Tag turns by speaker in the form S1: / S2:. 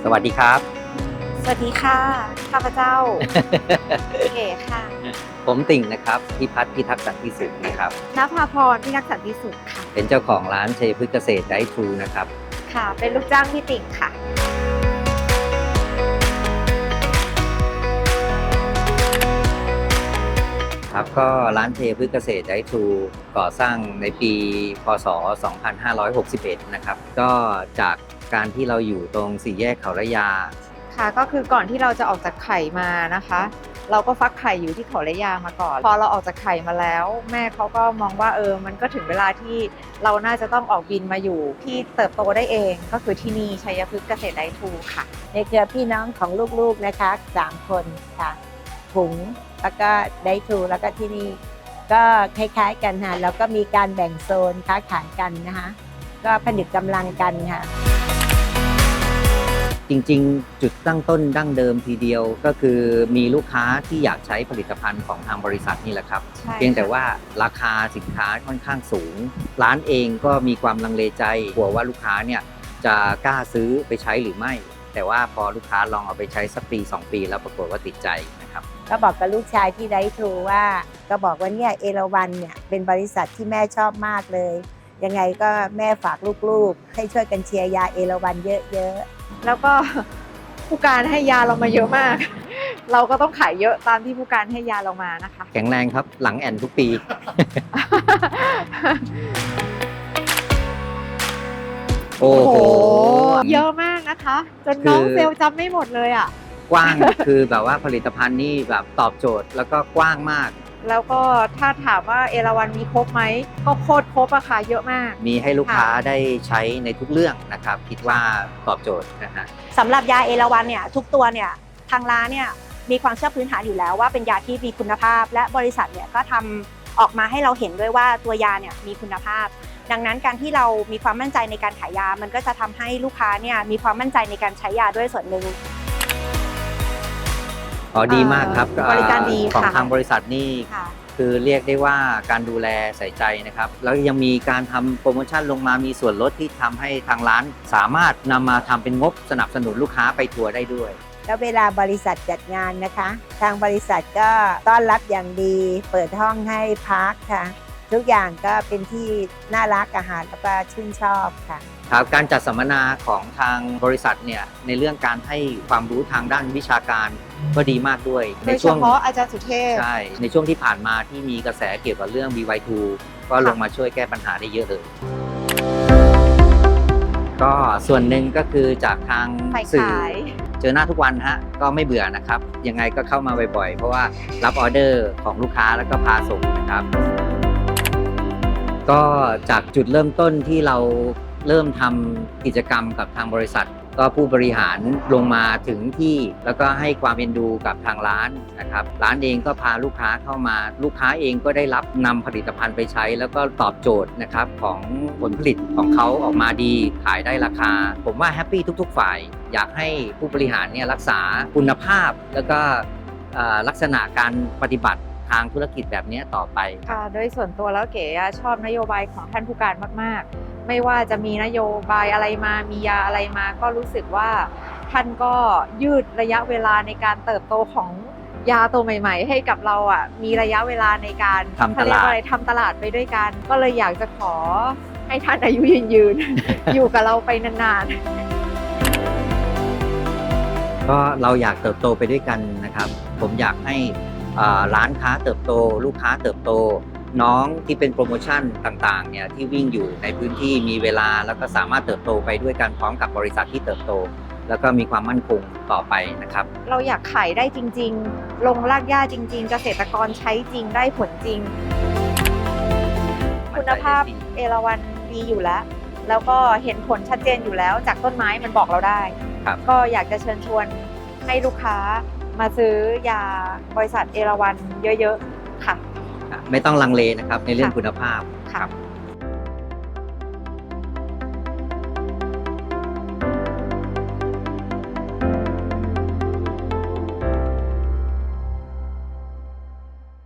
S1: วัสดีครับ
S2: สวัสดีค่ะข้าพเจ้า เก๋ค่ะ
S1: ผมติ่งนะครับพิพัฒน์พิทักษ์สันติสุขนะครับ
S2: ณภาพรพิทักษ์สันติสุขค่ะ
S1: เป็นเจ้าของร้านชัยพฤกษ์เกษตรไดทรูนะครับ
S2: ค่ะ เป็นลูกจ้างพี่ติ่งค่ะ
S1: ครับก็ร้านชัยพฤกษ์เกษตรไดทรูก่อสร้างในปีพศ 2561 นะครับ ก็จากการที่เราอยู่ตรงสี่แยกเขาระยา
S2: ค่ะ ก็คือก่อนที่เราจะออกจากไข่มานะคะ เราก็ฟักไข่อยู่ที่เขาระยามาก่อน พอเราออกจากไข่มาแล้ว แม่เขาก็มองว่ามันก็ถึงเวลาที่เราน่าจะต้องออกบินมาอยู่ที่เติบโตได้เอง ก็คือที่นี่ชัยพฤกษ์เกษตรไดทรูค่ะ
S3: ในเครือพี่น้องของลูกๆนะคะ3 คนค่ะถุงแล้วก็ไดทรูแล้วก็ที่นี่ก็คล้ายๆกันค่ะแล้วก็มีการแบ่งโซนค้าขายกันนะคะก็ผนึกกำลังกันค่ะ
S1: จริงๆ จุดตั้งต้นดั้งเดิมทีเดียวก็คือมีลูกค้าที่อยากใช้ผลิตภัณฑ์ของทางบริษัทนี่แหละครับ
S2: ใช่
S1: เพียงแต่ว่าราคาสินค้าค่อนข้างสูง ร้านเองก็มีความลังเลใจกลัวว่าลูกค้าเนี่ยจะกล้าซื้อไปใช้หรือไม่ แต่ว่าพอลูกค้าลองเอาไปใช้สักปี 2 ปีแล้วปรากฏว่าติดใจนะครับ
S3: ก็บอกกับลูกชายที่ไดทรูว่าก็บอกว่าเนี่ยเอราวัณเนี่ยเป็นบริษัทที่แม่ชอบมากเลยยังไงก็แม่ฝากลูกๆให้ช่วยกันเชียร์ยาเอราวัณเยอะๆ
S2: แล้วก็ผู้การให้ยาเรามาเยอะมาก เราก็ต้องขายเยอะตามที่ผู้การให้ยาเรามานะคะ
S1: แข็งแรงครับหลังแอนทุกปี โอ้โห
S2: เยอะมากนะคะ จนน้อง
S1: คือ
S2: เซลล์จำไม่หมดเลยอ่ะ
S1: กว้าง คือแบบว่าผลิตภัณฑ์นี่แบบตอบโจทย์แล้วก็กว้างมาก
S2: แล้วก็ถ้าถามว่าเอราวัณมีครบไหมก็โคตรครบอะค่ะเยอะมาก
S1: มีให้ลูกค้า
S2: ค่ะ
S1: ได้ใช้ในทุกเรื่องนะครับ คิดว่าตอบโจทย์นะฮะ
S4: สำหรับยาเอราวัณเนี่ยทุกตัวเนี่ยทางร้านเนี่ยมีความเชื่อพื้นฐานอยู่แล้วว่าเป็นยาที่มีคุณภาพ และบริษัทเนี่ยก็ทำออกมาให้เราเห็นด้วยว่าตัวยาเนี่ยมีคุณภาพ ดังนั้นการที่เรามีความมั่นใจในการขายยามันก็จะทำให้ลูกค้าเนี่ยมีความมั่นใจในการใช้ยาด้วยส่วนหนึ่ง
S1: อ๋อดีมากครับ
S2: บริการดี
S1: ของ
S2: ค่ะ
S1: ทางบริษัทนี่
S2: ค่ะ
S1: คือเรียกได้ว่าการดูแลใส่ใจนะครับ แล้วยังมีการทำโปรโมชั่นลงมามีส่วนลดที่ทำให้ทางร้านสามารถนำมาทำเป็นงบสนับสนุนลูกค้าไปทัวร์ได้ด้วย
S3: แล้วเวลาบริษัทจัดงานนะคะ ทางบริษัทก็ต้อนรับอย่างดี เปิดห้องให้พักค่ะ ทุกอย่างก็เป็นที่น่ารักอาหารแล้วก็ชื่นชอบค่ะ
S1: ครับการจัดสัมมนาของทางบริษัทเนี่ยในเรื่องการให้ความรู้ทางด้านวิชาการก็ดีมากด้วย
S2: โด
S1: ใน
S2: ยเฉ
S1: ช่วง
S2: พาะอาจารย์สุเทพ
S1: ใช่ในช่วงที่ผ่านมาที่มีกระแสเกี่ยวกับเรื่อง BY2 ก็ลงมาช่วยแก้ปัญหาได้เยอะเลย ก็ส่วนหนึ่งก็คือจากทาง
S2: ฝ่าย
S1: สื่อ
S2: ขาย
S1: เจอหน้าทุกวันฮะก็ไม่เบื่อนะครับ ยังไงก็เข้ามาบ่อยๆ เพราะว่ารับออเดอร์ของลูกค้าแล้วก็พาส่งนะครับ ก็จากจุดเริ่มต้นที่เราเริ่มทำกิจกรรมกับทางบริษัท ก็ผู้บริหารลงมาถึงที่แล้วก็ให้ความเอ็นดูกับทางร้านนะครับร้านเองก็พาลูกค้าเข้ามาลูกค้าเองก็ได้รับนำผลิตภัณฑ์ไปใช้ แล้วก็ตอบโจทย์นะครับของผลผลิตของเขาออกมาดีขายได้ราคา ผมว่าแฮปปี้ทุกๆฝ่าย อยากให้ผู้บริหารเนี่ยรักษาคุณภาพแล้วก็ลักษณะการปฏิบัติทางธุรกิจแบบนี้ต่อไปครับ
S2: ค่ะโดยส่วนตัวแล้วเก๋ชอบนโยบายของท่านผู้การมากๆ ไม่ว่าจะมีนโยบายอะไรมามียาอะไรมาก็รู้สึกว่าท่านก็ยืดระยะเวลาในการเติบโตของยาตัวใหม่ๆ ให้กับเราอ่ะมีระยะเวลาในการ
S1: ทำตลาด
S2: เขเรียกว่าอะไรทำตลาดไปด้วยกัน ก็เลยอยากจะขอให้ท่านอายุยืน อยู่กับเราไปนานๆ
S1: ก็เราอยากเติบโตไปด้วยกันนะครับ ผมอยากให้ร้านค้าเติบโต ลูกค้าเติบโต น้องที่เป็นโปรโมชั่นต่างๆเนี่ยที่วิ่งอยู่ในพื้นที่มีเวลาแล้วก็สามารถเติบโตไปด้วยกันพร้อมกับบริษัทที่เติบโต แล้วก็มีความมั่นคงต่อไปนะครับ
S2: เราอยากขายได้จริงๆ ลงรากหญ้าจริงๆ เกษตรกรใช้จริงได้ผลจริง คุณภาพเอราวัณดีอยู่แล้ว แล้วก็เห็นผลชัดเจนอยู่แล้วจากต้นไม้มันบอกเราได้
S1: ครับ
S2: ก็อยากจะเชิญชวนให้ลูกค้ามาซื้อยาบริษัทเอราวัณเยอะๆ ค่ะ
S1: ไม่ต้องลังเลนะครับในเรื่องคุณภาพ
S2: ค่ะ